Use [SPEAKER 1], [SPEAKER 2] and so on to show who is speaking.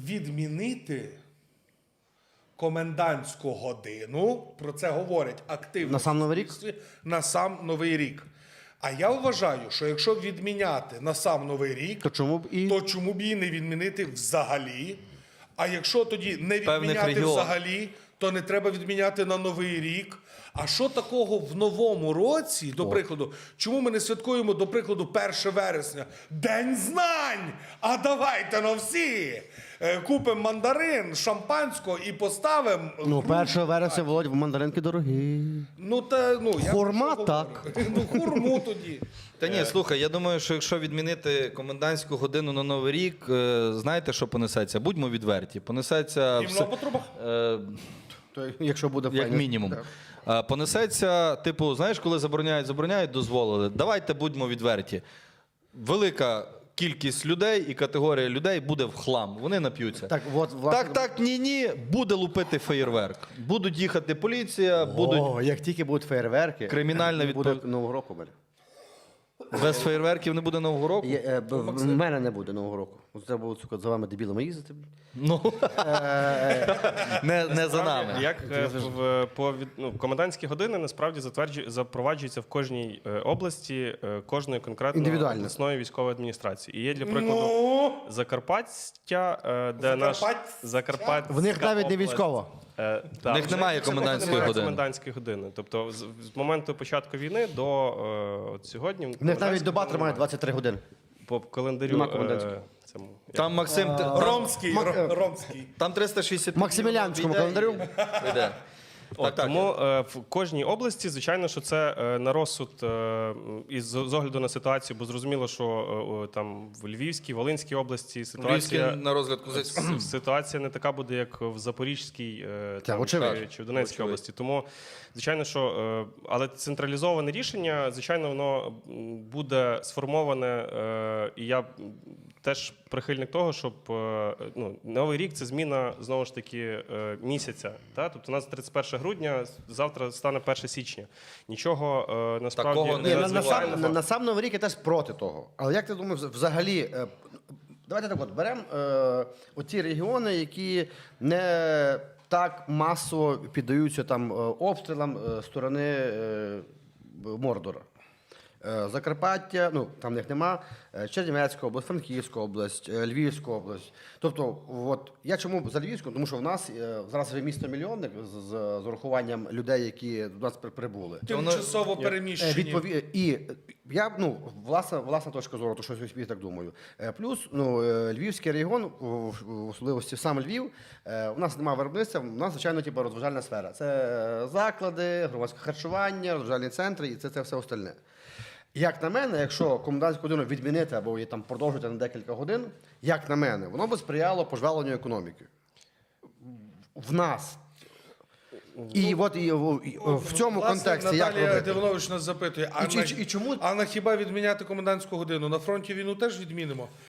[SPEAKER 1] відмінити комендантську годину, про це говорять активно.
[SPEAKER 2] На сам Новий рік?
[SPEAKER 1] На сам Новий рік. А я вважаю, що якщо відміняти на сам Новий рік,
[SPEAKER 2] То чому б і
[SPEAKER 1] її не відмінити взагалі? А якщо тоді не
[SPEAKER 3] Певних
[SPEAKER 1] відміняти
[SPEAKER 3] регіонів.
[SPEAKER 1] взагалі, то не треба відміняти на Новий рік. А що такого в новому році, до прикладу, чому ми не святкуємо, до прикладу, 1 вересня? День знань! А давайте на всі! Купимо мандарин, шампанського і поставимо...
[SPEAKER 2] Ну, 1 вересня, Володь, мандаринки дорогі.
[SPEAKER 1] Я
[SPEAKER 2] Хурма
[SPEAKER 1] про що
[SPEAKER 2] так.
[SPEAKER 1] говорю? Ну, хурму тоді.
[SPEAKER 3] Та ні, слухай, я думаю, що якщо відмінити комендантську годину на Новий рік, знаєте, що понесеться? Будьмо відверті. Понесеться...
[SPEAKER 1] Гімно по трубах?
[SPEAKER 2] То, якщо буде
[SPEAKER 3] Як
[SPEAKER 2] файно.
[SPEAKER 3] мінімум.
[SPEAKER 2] Так.
[SPEAKER 3] Понесеться, типу, знаєш, коли забороняють, дозволили. Давайте будьмо відверті. Велика кількість людей і категорія людей буде в хлам. Вони нап'ються.
[SPEAKER 2] Так, от, власне...
[SPEAKER 3] Так, ні, буде лупити феєрверк. Будуть їхати поліція, будуть
[SPEAKER 2] О, як тільки будуть феєрверки,
[SPEAKER 3] Кримінальна
[SPEAKER 2] буде
[SPEAKER 3] відповідь-
[SPEAKER 2] Нового року. Мене.
[SPEAKER 3] без феєрверків не буде Нового року.
[SPEAKER 2] В мене не буде Нового року. От треба було, сука, за вами дебілами їздити.
[SPEAKER 3] Ну, не за нами.
[SPEAKER 4] Як комендантські години насправді запроваджуються в кожній області кожної конкретної
[SPEAKER 2] Індивідуально.
[SPEAKER 4] обласної військової адміністрації. І є, для прикладу,
[SPEAKER 1] Ну,
[SPEAKER 4] Закарпаття, де наш
[SPEAKER 1] Закарпаття?
[SPEAKER 2] В них навіть не військово.
[SPEAKER 3] В них немає комендантської години.
[SPEAKER 4] комендантської години. Тобто з моменту початку війни до от сьогодні
[SPEAKER 2] В них навіть доба тримає 23 години.
[SPEAKER 4] по календарю
[SPEAKER 2] Нема комендантської.
[SPEAKER 4] цьому.
[SPEAKER 3] Там Максим,
[SPEAKER 1] Ромський, Ромський.
[SPEAKER 3] там 360
[SPEAKER 2] Максимілянському календарю.
[SPEAKER 3] Йде.
[SPEAKER 4] Так, тому в кожній області, звичайно, що це на розсуд і з огляду на ситуацію, бо зрозуміло, що там в Львівській, Волинській області ситуація,
[SPEAKER 3] на розгляд козацького.
[SPEAKER 4] ситуація не така буде, як в Запорізькій там,
[SPEAKER 2] очевидно.
[SPEAKER 4] чи в Донецькій області. Тому, звичайно, що але централізоване рішення, звичайно, воно буде сформоване, і я теж прихильник того, щоб Новий рік – це зміна, знову ж таки, місяця. Та? Тобто у нас 31 грудня, завтра стане 1 січня. Нічого насправді
[SPEAKER 3] Такого не
[SPEAKER 2] Ні,
[SPEAKER 4] надзвичайного.
[SPEAKER 2] на сам Новий рік я теж проти того. Але як ти думаєш, взагалі, давайте так от, беремо оті регіони, які не так масово піддаються там обстрілам сторони Мордора. Закарпаття, ну там в них нема, Чернівецька область, Франківська область, Львівська область. Тобто, от я чому за Львівську? Тому що в нас зараз вже місто-мільйонник з урахуванням людей, які до нас прибули.
[SPEAKER 1] Тимчасово переміщені.
[SPEAKER 2] І я, власна точка зору, то що я собі так думаю. Плюс, Львівський регіон, в особливості сам Львів, у нас немає виробництва, у нас, звичайно, розважальна сфера. Це заклади, громадське харчування, розважальні центри і це все остальне. Як на мене, якщо комендантську годину відмінити або її там продовжити на декілька годин, як на мене, воно би сприяло пожваленню економіки. В нас. І от в цьому контексті як
[SPEAKER 1] Наталія
[SPEAKER 2] робити?
[SPEAKER 1] Дивнович нас запитує,
[SPEAKER 2] І чому-
[SPEAKER 1] а на хіба відміняти комендантську годину? На фронті війну теж відмінимо?